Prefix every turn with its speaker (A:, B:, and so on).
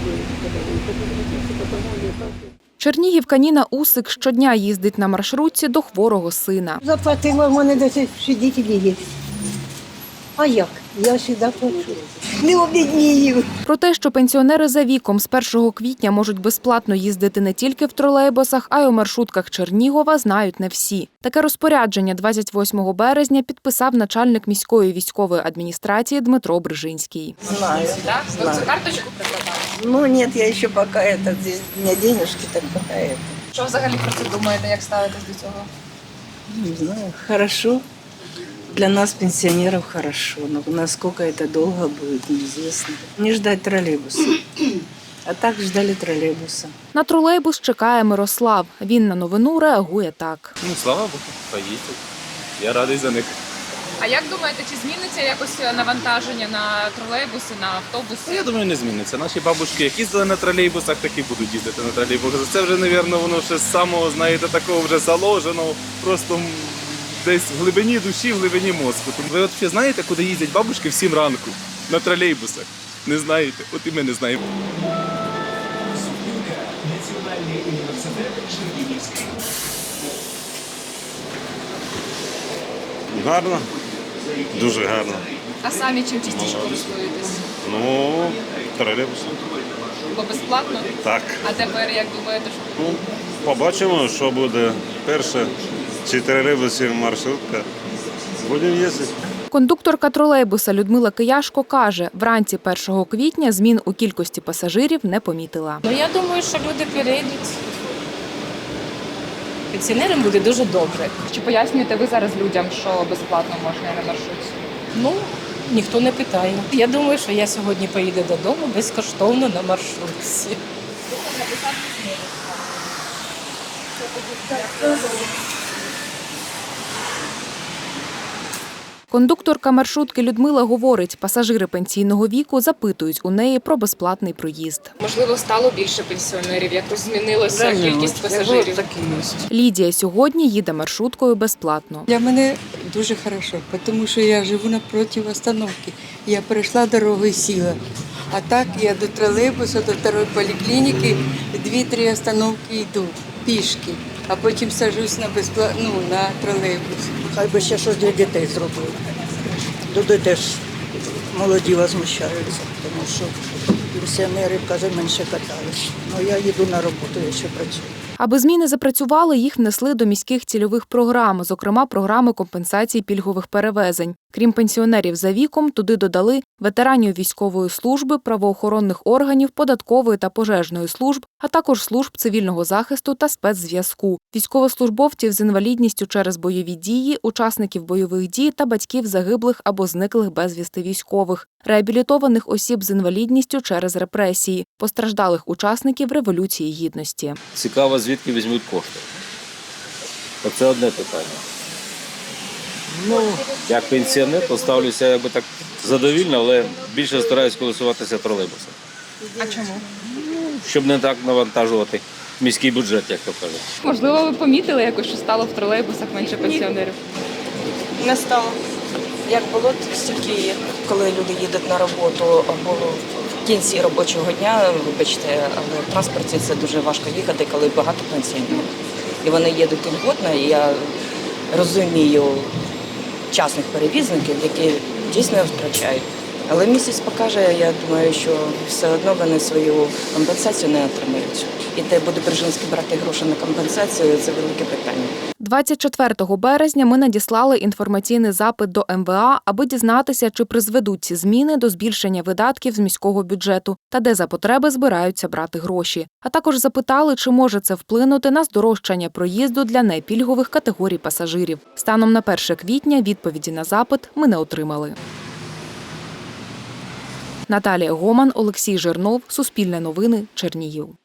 A: Чернігівка Ніна Усик щодня їздить на маршрутці до хворого сина.
B: Заплатила, в мене 10 свидетелів є. А як? Я сюди плачу. Не обіднію.
A: Про те, що пенсіонери за віком з 1 квітня можуть безплатно їздити не тільки в тролейбусах, а й у маршрутках Чернігова, знають не всі. Таке розпорядження 28 березня підписав начальник міської військової адміністрації Дмитро Брижинський.
C: Знаю.
D: Да?
C: Знаю.
D: Вы карточку прикладали?
C: Ну нет, я еще пока здесь у меня денежки, так пока
D: Що взагалі про це думаєте, як ставитесь до цього?
C: Не знаю, хорошо. Для нас, пенсионеров, хорошо, но насколько это долго будет, неизвестно. Не ждать троллейбуса. А так ждали троллейбуса.
A: На тролейбус чекає Мирослав. Він на новину реагує так.
E: Ну, слава Богу, поїздять. Я радий за них.
D: А як думаєте, чи зміниться якось навантаження на тролейбуси, на автобуси?
E: Я думаю, не зміниться. Наші бабушки, як їздили на тролейбусах, так і будуть їздити на тролейбусах. Це вже, мабуть, воно ще з самого, знаєте, такого вже заложено, просто десь в глибині душі, в глибині мозку. Ви от ще знаєте, куди їздять бабушки в 7 ранку? На тролейбусах. Не знаєте? От і ми не знаємо.
F: Гарно, дуже гарно.
D: А самі чим частіше користуєтесь?
F: Ну, тролейбусом.
D: Бо безплатно?
F: Так.
D: А тепер як думаєте, що?
F: Ну, побачимо, що буде перше, чи тролейбус, чи маршрутка. Будемо їздити.
A: Кондукторка тролейбуса Людмила Кияшко каже, вранці 1 квітня змін у кількості пасажирів не помітила.
G: Ну, я думаю, що люди перейдуть. Пенсіонерам буде дуже добре.
D: Чи пояснюєте ви зараз людям, що безплатно можна і на маршрутці?
G: Ну, ніхто не питає. Я думаю, що я сьогодні поїду додому безкоштовно на маршрутці.
A: Кондукторка маршрутки Людмила говорить, пасажири пенсійного віку запитують у неї про безплатний проїзд.
D: Можливо, стало більше пенсіонерів, якось змінилася кількість пасажирів.
A: Лідія сьогодні їде маршруткою безплатно.
H: Для мене дуже хорошо, тому що я живу напроти остановки. Я перейшла дорогу і сіла. А так я до тролейбуса, до второї поліклініки, 2-3 остановки йду пішки, а потім саджусь на тролейбус.
B: Хай би ще щось для дітей зробили. Люди теж молоді возмущаються, тому що пенсіонери, каже, менше катались. Ну, я їду на роботу, я ще працюю.
A: Аби зміни запрацювали, їх внесли до міських цільових програм, зокрема програми компенсації пільгових перевезень. Крім пенсіонерів за віком, туди додали ветеранів військової служби, правоохоронних органів, податкової та пожежної служб, а також служб цивільного захисту та спецзв'язку, військовослужбовців з інвалідністю через бойові дії, учасників бойових дій та батьків загиблих або зниклих безвісти військових, реабілітованих осіб з інвалідністю через репресії, постраждалих учасників Революції Гідності.
I: Цікаво, звідки візьмуть кошти. Це одне питання. Ну, як пенсіонер, то ставлюся якби так задовільно, але більше стараюсь користуватися тролейбусом.
D: А чому?
I: Щоб не так навантажувати міський бюджет, як то кажуть.
D: Можливо, ви помітили якось, що стало в тролейбусах менше пенсіонерів?
C: Не стало. Як було, стільки є. Коли люди їдуть на роботу або в кінці робочого дня, вибачте, але в транспорті це дуже важко їхати, коли багато пенсіонерів. І вони їдуть льготно, і я розумію частних перевізників, які дійсно втрачають. Але місяць покаже, я думаю, що все одно вони свою компенсацію не отримають. І де буде Брижинський брати гроші на компенсацію, це велике питання.
A: 24 березня ми надіслали інформаційний запит до МВА, аби дізнатися, чи призведуть ці зміни до збільшення видатків з міського бюджету та де за потреби збираються брати гроші. А також запитали, чи може це вплинути на здорожчання проїзду для непільгових категорій пасажирів. Станом на 1 квітня відповіді на запит ми не отримали. Наталія Гоман, Олексій Жирнов, Суспільне новини, Чернігів.